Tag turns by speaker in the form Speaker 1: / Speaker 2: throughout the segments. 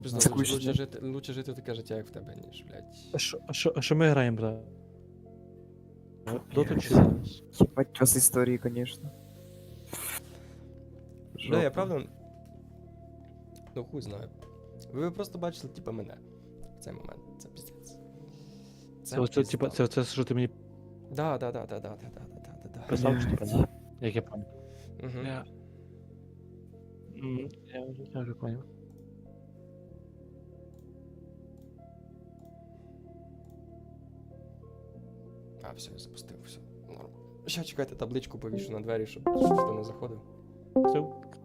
Speaker 1: Лучше жити таке життя, як в тебе, ніж, блядь.
Speaker 2: А що ми граємо, бля? Доту чи
Speaker 3: Блядь. Ебать, у вас истории, конечно.
Speaker 1: Бля, я
Speaker 3: Жопа.
Speaker 1: правда. Ну хуй знаю. Ви просто бачили, типа, мене. В цей момент. Це піздець.
Speaker 2: Це, типа, це що ти мені
Speaker 1: Да.
Speaker 2: писав, чи типа, да? Як я пам'ятаю.
Speaker 1: Угу.
Speaker 2: Я вже поняв.
Speaker 1: А, все, я запустив, все. Норм. Ще чекайте, табличку повішу на двері, щоб ніхто не заходив.
Speaker 2: Все.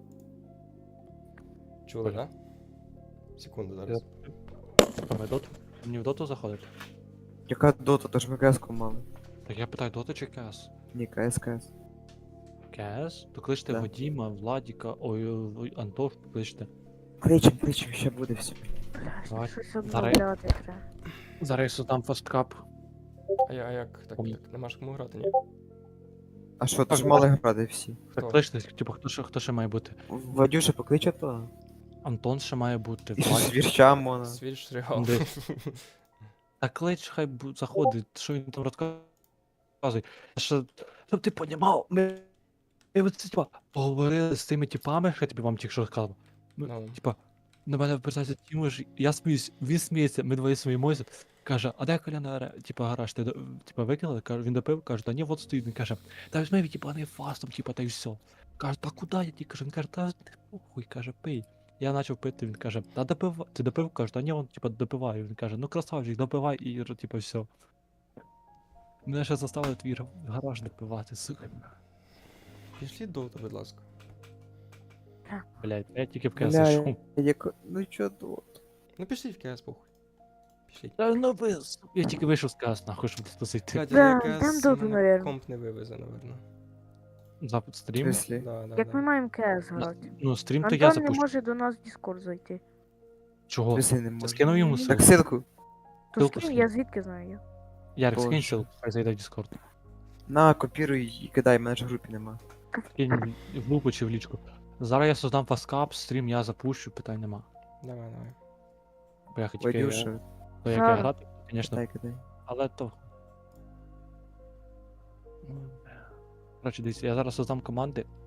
Speaker 1: Чули, да? Секунду зараз.
Speaker 2: Ми доту? Мені в доту заходить?
Speaker 3: Яка дота, то ж ми КС-ку мали.
Speaker 2: Так я питаю, дота чи КС?
Speaker 3: Ні, КС.
Speaker 2: КС? То кличте
Speaker 3: Да.
Speaker 2: Вадіма, Владіка, ой, Антош, кличте.
Speaker 3: Кличем, ще буде все.
Speaker 2: Давай.
Speaker 4: Щось
Speaker 2: Зараз-
Speaker 4: обновляти треба.
Speaker 2: Зараз я создам фасткап.
Speaker 1: А як? Так, нема ж кому грати, ні?
Speaker 3: А що, то ж мали грати всі.
Speaker 1: Хто?
Speaker 2: Так кличте, типу, хто ще має бути?
Speaker 3: Вадюша покличе то.
Speaker 2: Антон ще має бути,
Speaker 3: І
Speaker 2: Владік.
Speaker 3: звірча мона.
Speaker 1: Свіж шригал.
Speaker 2: Де? Та клич, хай заходить, що він там розказує. Щоб ти понімав, ми оце, типа, поговорили з тими типами, що я тобі вам тільки що розказав.
Speaker 1: Ну.
Speaker 2: Типа, на мене впирається Тімош, я сміюсь, він сміється, ми двоє сміємося. Каже, а де Коляна, типа, гараж, ти типа викинули? Каже, він допив, каже, та ні, от стоїть. Він каже, та візьми відібаний фастом, типа, та й все. Каже, та куди я ті? Каже, він каже, та не похуй, каже, пий. Я почав пити, він каже, та допив, ти допив? Каже, та ні, он, типа, допиваю. Він каже, ну красавчик, допивай і, типа, все. Мене ще заставили твій гараж допивати, сука.
Speaker 1: Пішліть доту, будь ласка.
Speaker 2: Блядь, я тільки в КС
Speaker 3: Бля,
Speaker 2: зайшов.
Speaker 3: Ну чо дот?
Speaker 1: Ну пішліть в КС, похуй. Пішліть.
Speaker 2: Та ну ви, я тільки вийшов з КС, нахуй, щоб тут зайти.
Speaker 1: Блядь,
Speaker 4: Да,
Speaker 1: але
Speaker 4: там
Speaker 1: КС
Speaker 4: доту,
Speaker 1: мене
Speaker 4: наверно.
Speaker 1: комп не вивезе, наверно.
Speaker 2: Запит
Speaker 3: В
Speaker 2: стрім.
Speaker 3: смислі?
Speaker 1: Да.
Speaker 4: Як ми маємо КС грати?
Speaker 2: Ну, стрім то я
Speaker 4: Антон не
Speaker 2: запущу.
Speaker 4: може до нас в Discord зайти.
Speaker 2: Чого?
Speaker 3: Смислі не
Speaker 2: Ти
Speaker 3: можу.
Speaker 2: скинув йому
Speaker 4: Так
Speaker 3: Так
Speaker 2: ссылку?
Speaker 3: ссылку.
Speaker 4: То
Speaker 2: Ссылку
Speaker 4: з ким
Speaker 2: скинь.
Speaker 4: я звідки знаю? Я?
Speaker 2: Ярик, скинь
Speaker 3: Боже.
Speaker 2: ссылку, хай зайде в Discord.
Speaker 3: На, копіруй і кидай, мене ж в групі нема.
Speaker 2: Кинь в групу чи в лічку. Зараз я создам фаскап, стрім я запущу, питань нема.
Speaker 1: Давай.
Speaker 2: Бо я хотів
Speaker 3: Вадюша,
Speaker 2: то як я
Speaker 4: Зараз.
Speaker 2: грати, звісно,
Speaker 3: кидай.
Speaker 2: але то. Коротше, дивіться, я зараз создам команди.